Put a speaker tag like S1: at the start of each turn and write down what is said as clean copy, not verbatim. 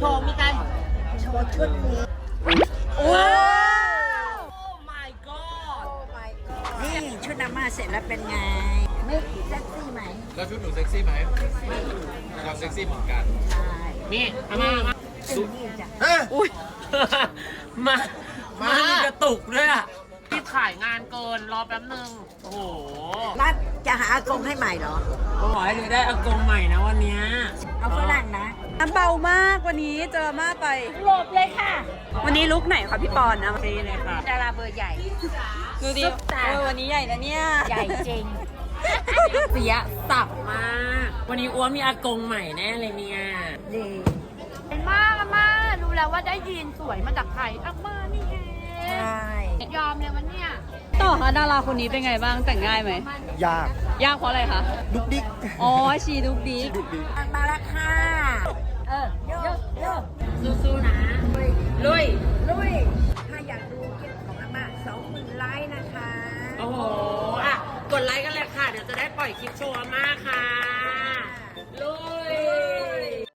S1: ว์มีการโชว์ชุดนี้โอ้ my god นี่ชุดอาม่าเสร็จแล้วเป็นไงไม่เซ็กซี่ไหม
S2: แล้วชุดหนูเซ็กซี่ไหมเราเซ็กซี่เหมือนกัน
S1: ใช่
S3: นี่อาม่า
S1: ดูนี่จ้ะ
S3: อุ้ยมามีกระตุกด้วยอ่ะที่ถ่ายงานเกินรอแป๊บนึงโอ้โห
S1: รัดจะหาอากงให้ใหม่เหรอ
S3: ขอให้เลยได้อากงใหม่นะวันนี้
S1: เอาฝรั่งนะ
S4: เบามากวันนี้เจอมากไป
S1: หลบเลยค่ะ
S4: วันนี้ลุกไหนคะพี่ปอนนะ
S3: ซีเลยค่ะ
S1: ดาราเบอร์ใหญ่
S4: ดูดิวันนี้ใหญ่นะเนี่ย
S1: ใหญ่จริง
S3: เสียสับมากวันนี้อ้วนมีอากงใหม่แน่เลยเนี่ย
S1: ดี
S5: เป็นมากอาม่ารู้แล้วว่าได้ยีนสวยมาจากใครอาม่านี่เอง
S1: ใช่
S5: ยอมเลยวันเนี้ย
S4: ต่อคะดาราคนนี้เป็นไงบ้างแต่งง่ายไหม
S6: ยาก
S4: เพราะอะไรคะ
S6: ดุกดิก
S4: อ๋อชีดุกดิก
S1: มาแล้วค่ะโย
S3: สู้ๆนะลุย
S1: ถ้าอยากดูคลิปของอาม่า20,000 ไลค์นะคะ
S3: โอ้โหอ่ะกดไลค์กันเลยค่ะเดี๋ยวจะได้ปล่อยคลิปโชว์อาม่า